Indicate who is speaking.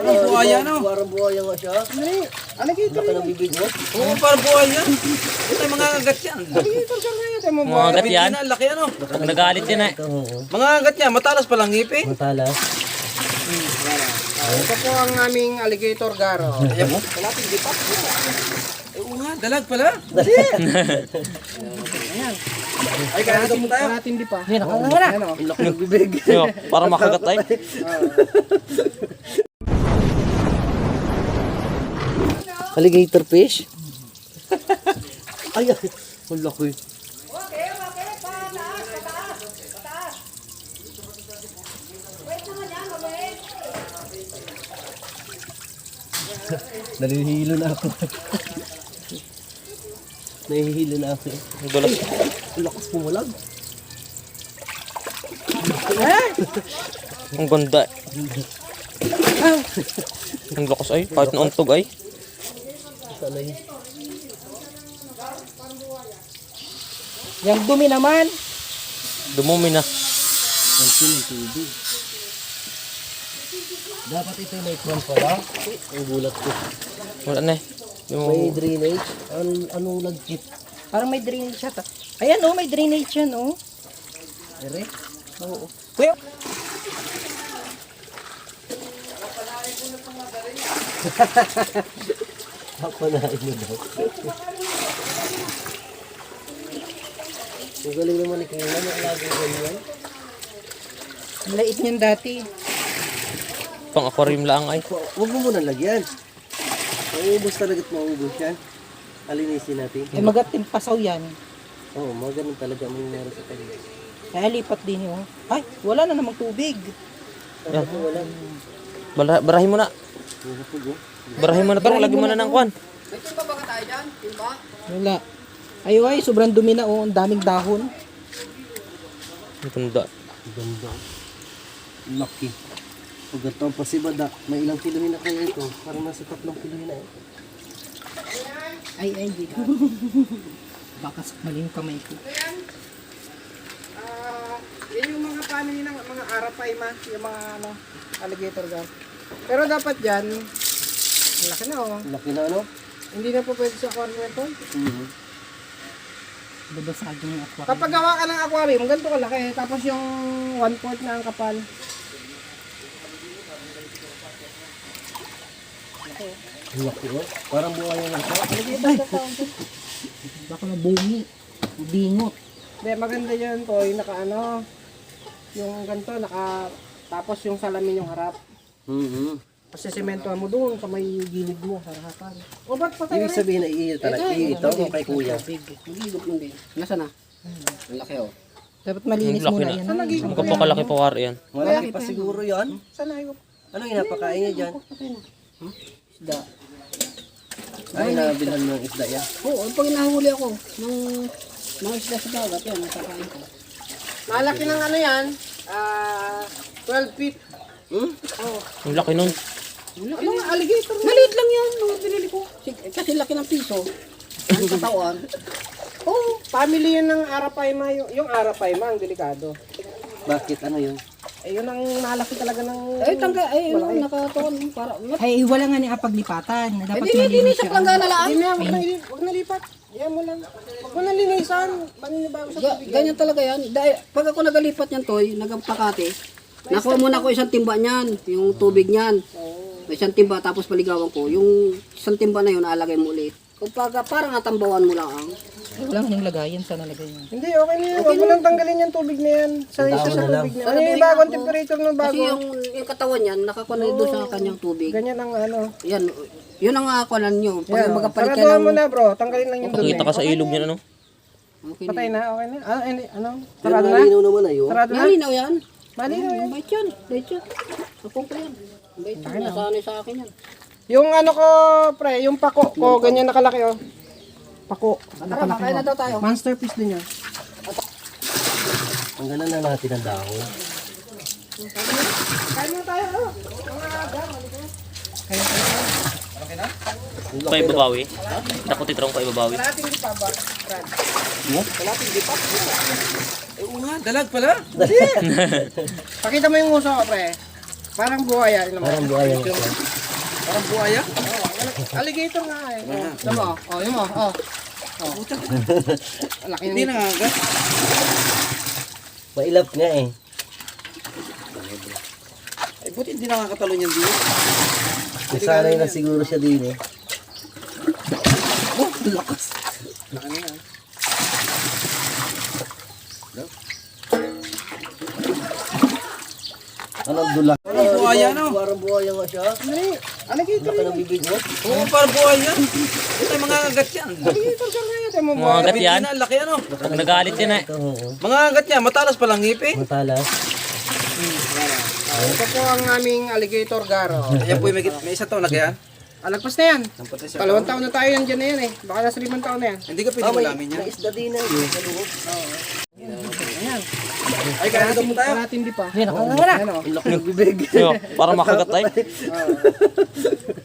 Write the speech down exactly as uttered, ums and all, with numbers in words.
Speaker 1: Parang buhaya, no?
Speaker 2: Parang buhaya nga siya.
Speaker 1: Ano alligator
Speaker 2: Laki
Speaker 1: yun.
Speaker 2: ng bibig mo.
Speaker 1: Oo, parang buhaya. Ito yung mga agat yan.
Speaker 3: Alligator siya ngayon. Ito mo
Speaker 4: Mga
Speaker 3: buhay.
Speaker 4: agat yan.
Speaker 1: Ang laki ano.
Speaker 4: Pag nagalit yan eh.
Speaker 2: Ito, oo.
Speaker 1: Mga agat niya, matalas palang ngipin.
Speaker 2: Matalas.
Speaker 3: Ito po ang aming alligator garo.
Speaker 1: Ayan mo.
Speaker 3: Wala pong dipat.
Speaker 1: Eh, oo nga, dalag pala.
Speaker 3: Ayan.
Speaker 1: Ay, kaya ito po tayo.
Speaker 3: Wala natin di pa.
Speaker 4: Yan, ako
Speaker 3: Wala. Ano?
Speaker 2: Ang laki ng bibig.
Speaker 4: Yo, para makagat ay.
Speaker 2: Alligator fish? Ay, ay. Ang laki. Nahihilo na ako. Nahihilo na ako.
Speaker 4: Ang dulas.
Speaker 2: Ang lakas pumulag.
Speaker 4: Ang ganda. Ang lakas ay. Kahit nauntog ay.
Speaker 2: Sanay.
Speaker 3: Yung dumi naman.
Speaker 4: Dumumi na.
Speaker 2: Ang siling tubig. Dapat ito yung may kwan pala. Ang gulat ko.
Speaker 4: Wala na eh.
Speaker 2: May
Speaker 4: Yung...
Speaker 2: drainage. An anong lagkit?
Speaker 3: Parang may drainage siya. ta- Ayan oh, may drainage yan oh.
Speaker 2: Ere?
Speaker 3: Oo. Kuya.
Speaker 2: Papanain mo daw. Ang galing naman ni Kuya. May alaga ganyan.
Speaker 3: Ang lait niyan dati.
Speaker 4: Pang aquarium lang ay.
Speaker 2: Hu- Huwag mo muna lagyan. Mauubos talaga't mauubos yan. Alinisin natin.
Speaker 3: Eh magating pasaw yan.
Speaker 2: Oo, mga ganun talaga ang nangyari sa kanya.
Speaker 3: Kaya lipat din yun. Ay, wala na namang tubig.
Speaker 2: Dapat mo wala.
Speaker 4: Bara barahin mo na.
Speaker 2: Hupog oh.
Speaker 4: Barahin mo na to. Lagi mo na ng kwan.
Speaker 3: Wala. Ay, ay, sobrang dumi na oh. Ang daming dahon.
Speaker 4: Ang ganda.
Speaker 2: Ganda. Lucky. Pag ito ang pasibada, may ilang kilohin na kaya ito. Parang nasa tatlong kilohin na eh.
Speaker 3: Ay, ay, di ka. Baka sakmalin yung kamay ko. Ah, yan yung mga family ng mga arapay ma, yung mga ano, alligator gar. Pero dapat yan, ang laki na oh.
Speaker 2: Laki na ano?
Speaker 3: Hindi na po pwede sa aquarium ito.
Speaker 2: Mhm.
Speaker 3: Babasagin yung aquarium. Kapag gawa ka ng aquarium, ganito kalaki. Tapos yung one fourth na ang kapal.
Speaker 2: Ang laki oh. Parang buhay lang siya.
Speaker 3: Baka mabungi. Bingot. Hindi, maganda yan to. Yung naka ano, yung ganito, naka, tapos yung salamin yung harap.
Speaker 2: Mhm.
Speaker 3: Kasi sementohan mo doon sa may gilid mo, sa harapan. O ba't pa tayo
Speaker 2: Ibig sabihin na iyo talaga. Ito mo kay Kuya.
Speaker 3: Magigop lang din. Nasaan na? Ang laki oh. Dapat
Speaker 4: Ang
Speaker 3: malinis
Speaker 4: laki
Speaker 3: muna
Speaker 4: na.
Speaker 3: yan. Saan nagigop?
Speaker 4: Ang kapakalaki pa war yan.
Speaker 2: Malaki pa siguro yan.
Speaker 3: Saan nagigop?
Speaker 2: Ano yung napakain niya dyan?
Speaker 3: Isda.
Speaker 2: Ay, nabilhan mo ng isda yan.
Speaker 3: Oo, pag nahuli ako, nung mga isda sa dagat, yan, nakakain ko. Malaki ng ano yan, ah, twelve feet.
Speaker 2: Hmm?
Speaker 3: Oo.
Speaker 4: Ang laki nun.
Speaker 3: Ano nga, alligator na? Maliit lang yan, mga pinili ko. Kasi laki ng piso. Ang katawan. Oo, family yan ng Arapaima. Yung, yung Arapaima, ang delikado.
Speaker 2: Bakit? Ano yun?
Speaker 3: Eh, yun ang malaki talaga ng...
Speaker 5: Ay, tangga, ay, yun, nakatuon. Para,
Speaker 6: Ay, wala nga niya paglipatan. Na dapat
Speaker 5: hindi, hindi,
Speaker 6: malinis
Speaker 5: sa
Speaker 6: siya.
Speaker 5: plangga na lang.
Speaker 3: Hindi na, huwag na, huwag na lipat. Yan mo lang. Huwag mo na linisan. Paninibago sa
Speaker 5: Ga,
Speaker 3: tubig.
Speaker 5: ganyan talaga yan. Dahil, pag ako nagalipat niyan, Toy, nagpakate, nakuha muna ko isang timba niyan, yung tubig niyan. May isang timba, tapos paligawan ko. Yung isang timba na yun, naalagay mo ulit. Kung pag, parang atambawan mo lang ang.
Speaker 6: Ay, wala nga yung lagayan. Saan nalagay niya?
Speaker 3: Hindi, okay na yan. Huwag mo lang tanggalin yung tubig na yan. Sa isa sa tubig na yan. Ano yung bagong temperature ng bago?
Speaker 5: Kasi yung, yung katawan niyan, nakakuha na doon sa kanyang tubig.
Speaker 3: Ganyan ang ano.
Speaker 5: Yan, yun ang akakuanan nyo. Pag
Speaker 3: Yan.
Speaker 5: magapalit ka
Speaker 3: Saratuhan
Speaker 5: ng...
Speaker 3: mo na bro. Tanggalin lang yung dumi.
Speaker 4: Pakita ka sa ilog niyan ano.
Speaker 5: Okay
Speaker 3: Patay na, okay na. Ah, hindi, ano?
Speaker 2: Pero
Speaker 3: Sarado na?
Speaker 2: malinaw naman ayo.
Speaker 3: Sarado na?
Speaker 5: Malinaw yan.
Speaker 3: Malinaw yan.
Speaker 5: Bait yan. Bait yan. Akong ko yan. Bait yan. Nasanay sa akin yan.
Speaker 3: Yung ano ko, pre, yung pako ko, ganyan nakalaki oh. Pako.
Speaker 5: Tara, makain na daw tayo.
Speaker 3: Masterpiece din yan.
Speaker 2: Tanggalan na natin ang dahon.
Speaker 3: Kain mo tayo, oh.
Speaker 4: Pa ibabawi. Dako titrong pa ibabawi.
Speaker 3: Kalating di pa ba? Brad? Kalating di pa?
Speaker 1: Eh, oo nga, dalag pala.
Speaker 3: Pakita mo yung uso ko, pre. Parang buhaya. Yun naman.
Speaker 2: Parang buhaya nga siya.
Speaker 1: Parang buhaya.
Speaker 3: Oh, alligator nga eh. Oh, tama mo? Oh, yun mo. Oh. Oh. Ang laki
Speaker 1: Hindi
Speaker 3: ng...
Speaker 1: nangagat.
Speaker 2: Mailap nga eh.
Speaker 1: Ay, buti hindi nakakatalon yan dito.
Speaker 2: Nasanay na siguro siya din eh.
Speaker 1: Oh, lakas. Laki na yan.
Speaker 2: Anong dula?
Speaker 1: Parang buhaya, no?
Speaker 2: Parang buhaya nga siya.
Speaker 3: Dali, alligator
Speaker 2: Laki
Speaker 3: yun.
Speaker 2: ng bibig mo.
Speaker 1: Oo, parang buhaya. Ito mga ngagat yan.
Speaker 3: Alligator ka nga yun. Tayo mo
Speaker 4: Mga
Speaker 3: buhaya.
Speaker 4: agat yan.
Speaker 1: Ang laki ano.
Speaker 4: Pag nagalit yan eh.
Speaker 2: Ito, oo.
Speaker 1: Mga ngagat yan, matalas palang ngipin.
Speaker 2: Matalas.
Speaker 3: Oh, ito po ang aming alligator garo.
Speaker 1: Ayan po, may, may isa taon na kaya.
Speaker 3: Alagpas na yan.
Speaker 1: Nampatay siya.
Speaker 3: Dalawang taon na tayo yan dyan na yan eh. Baka nasa limang taon na yan.
Speaker 1: Hindi ka pwede
Speaker 2: Ah, may,
Speaker 1: malamin yan.
Speaker 2: may isda din na eh. Sa loob.
Speaker 3: Ayan.
Speaker 1: Ay, kaya ito po tayo.
Speaker 3: Karating di pa.
Speaker 6: Yan, nakangara.
Speaker 3: Ayan o.
Speaker 2: Ang laki ng bibig.
Speaker 4: Yo, para makagat tayo.